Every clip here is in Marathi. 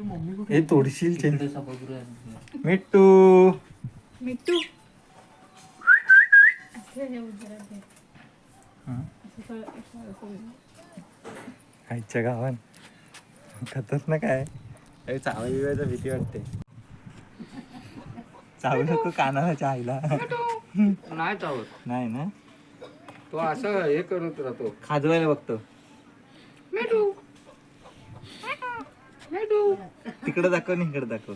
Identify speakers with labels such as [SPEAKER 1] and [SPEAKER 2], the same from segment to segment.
[SPEAKER 1] हे तोडशील मिट्टू
[SPEAKER 2] मिट्टू
[SPEAKER 1] आईच्या गावात खातच ना काय चावल बिवायचा भीती वाटते. चावू नको कानाला आईला.
[SPEAKER 3] नाही चावत
[SPEAKER 1] नाही ना
[SPEAKER 3] तो असं हे करत राहतो.
[SPEAKER 1] खाजवायला बघतो. तिकडे दाखव आणि इकडे दाखव.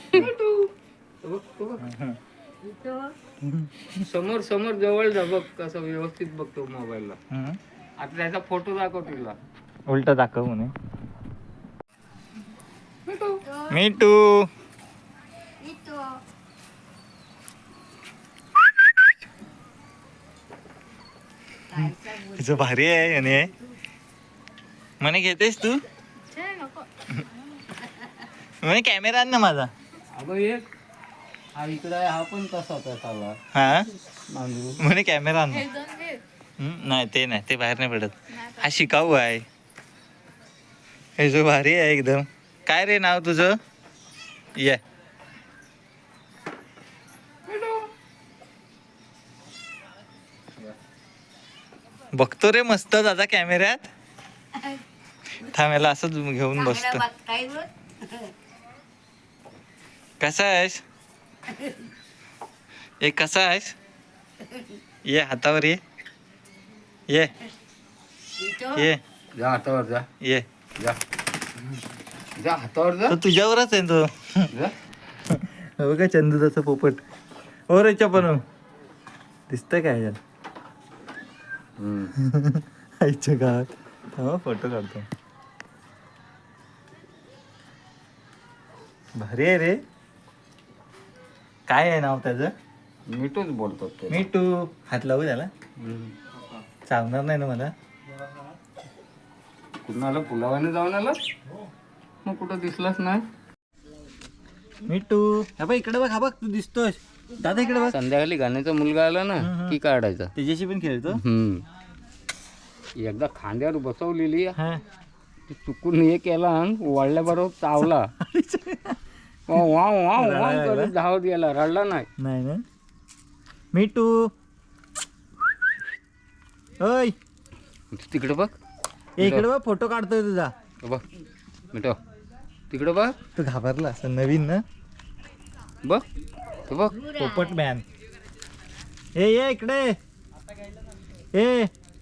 [SPEAKER 3] समोर समोर जवळ जा बघ कसं व्यवस्थित बघतो मोबाईलला. आता त्याचा फोटो दाखव तिला.
[SPEAKER 1] उलट दाखव म्हणे. मिट्टू तिचं भारी आहे याने म्हणे घेतेस तू म्हणे कॅमेरा आण ना माझा.
[SPEAKER 3] अगं एक हा इकडे आहे, हा पण तसाच आहे साला
[SPEAKER 1] हा
[SPEAKER 3] मांजरू.
[SPEAKER 1] म्हणे कॅमेरा आण. नाही ते नाही ते बाहेर नाही पडत. हा शिकाऊ आहे. हे जो भारी आहे एकदम. काय रे नाव तुझं. ये बघतो रे मस्त दादा कॅमेऱ्यात. थांबायला असंच घेऊन बसतो. कसा आहेस एक कसा आहेस. ये हातावर ये ये ये
[SPEAKER 3] जा हातावर जा
[SPEAKER 1] ये
[SPEAKER 3] जा जा हातावर जा
[SPEAKER 1] तो तुझ्यावरच आहे तो.
[SPEAKER 3] जा.
[SPEAKER 1] बघा चंदूचा पोपट. हो रे पण दिसतंय काय याच्यात. आईच्या गावात थांबा फोटो काढतो. भारी आहे रे. काय आहे नाव त्याचं.
[SPEAKER 3] मिठूच बोलतो ते.
[SPEAKER 1] मिट्टू. हात लावू त्याला. चावणार नाही ना मला.
[SPEAKER 3] कुणाला पुलावाने जाऊन आला मग कुठं दिसलाच नाही.
[SPEAKER 1] मिट्टू हा बघ इकडे बघ. हा बघ तू दिसतोय दादा इकडे बघ.
[SPEAKER 3] संध्याकाळी गाण्याचा मुलगा आला ना की काढायचा.
[SPEAKER 1] त्याच्याशी पण खेळतो.
[SPEAKER 3] एकदा खांद्यावर बसवलेली
[SPEAKER 1] हा
[SPEAKER 3] ती चुकून हे केला वाढल्याबरोबर चावला. वाव वाव वाव वाव करत धावत गेला. रडला नाही.
[SPEAKER 1] नाही ना मिट्टू. ओय
[SPEAKER 3] तिकडे बघ.
[SPEAKER 1] इकडे बघ फोटो काढतोय तुझा.
[SPEAKER 3] बघ मिठो तिकडे बघ.
[SPEAKER 1] तू घाबरला असं नवीन ना.
[SPEAKER 3] बघ तो बघ
[SPEAKER 1] पोपट मॅन. ये इकडे ए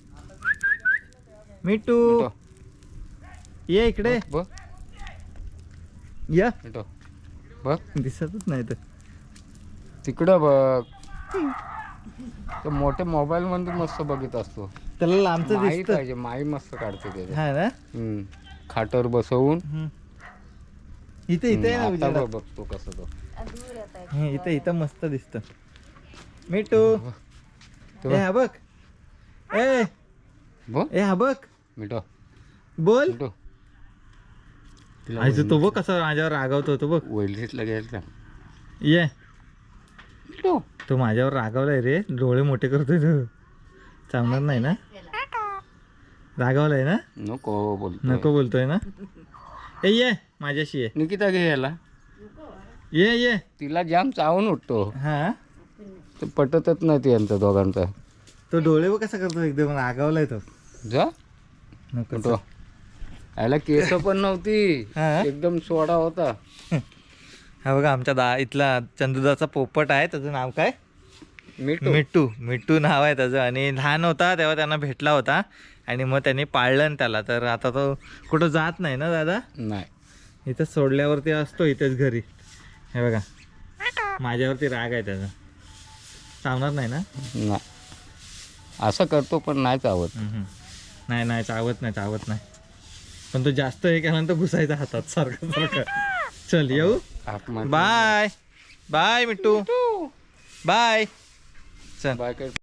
[SPEAKER 1] मिट्टू
[SPEAKER 3] मिठो
[SPEAKER 1] ये इकडे
[SPEAKER 3] बघ
[SPEAKER 1] या.
[SPEAKER 3] मिठो बघ
[SPEAKER 1] दिसतच नाही तर.
[SPEAKER 3] तिकडं बघ. तो मोठ्या मोबाईल मध्ये मस्त बघत असतो.
[SPEAKER 1] त्याला लांबचं
[SPEAKER 3] माई
[SPEAKER 1] दिसत.
[SPEAKER 3] पाहिजे. माई मस्त काढते त्याच्या.
[SPEAKER 1] हा ना
[SPEAKER 3] खाटावर बसवून
[SPEAKER 1] इथे इथे आहे ना
[SPEAKER 3] आता
[SPEAKER 1] उजेडात.
[SPEAKER 3] बघतो कसं तो.
[SPEAKER 1] इथे इथं मस्त दिसत. मिट्टू
[SPEAKER 3] तो
[SPEAKER 1] ए हा बघ. ए
[SPEAKER 3] बघ
[SPEAKER 1] ए हा बघ.
[SPEAKER 3] मिठो
[SPEAKER 1] बोल.
[SPEAKER 3] मिठो
[SPEAKER 1] आईचं तो बघ कसं माझ्यावर रागवतो तो बघ.
[SPEAKER 3] वैलीतला गेला
[SPEAKER 1] ये
[SPEAKER 3] मिठो.
[SPEAKER 1] तो माझ्यावर रागावलाय रे. डोळे मोठे करतोय तो. चावणार नाही ना. रागावलाय ना.
[SPEAKER 3] नको बोलतो.
[SPEAKER 1] नको बोलतोय ना. ए ये माझ्याशी ये.
[SPEAKER 3] निकिता घे याला.
[SPEAKER 1] ये
[SPEAKER 3] तिला जाम चावून उठतो.
[SPEAKER 1] हा
[SPEAKER 3] ते पटतच नाही ते यांचं दोघांचा.
[SPEAKER 1] तो डोळे बघ कसा करतो एकदम रागावलाय तो.
[SPEAKER 3] जा
[SPEAKER 1] नको
[SPEAKER 3] मिठो. याला केस पण नव्हती.
[SPEAKER 1] हा?
[SPEAKER 3] एकदम सोडा होता.
[SPEAKER 1] हा बघा आमच्या इथला चंदुदाचा पोपट आहे. त्याचं नाव काय.
[SPEAKER 3] मिठो
[SPEAKER 1] मिट्टू. मिट्टू नाव आहे त्याचं. आणि लहान होता तेव्हा त्यांना भेटला होता आणि मग त्यांनी पाळलं ना त्याला. तर आता तो कुठं जात नाही ना दादा.
[SPEAKER 3] नाही
[SPEAKER 1] इथं सोडल्यावरती असतो इथेच घरी. हे बघा माझ्यावरती राग आहे त्याचा. चावणार नाही ना.
[SPEAKER 3] नाही असं करतो पण नाही चावत.
[SPEAKER 1] नाही चावत नाही. पण तो जास्त हे केल्यानंतर घुसायचा हातात सारखं. चल येऊ. Bye bye Mittu bye. चल
[SPEAKER 3] बाय.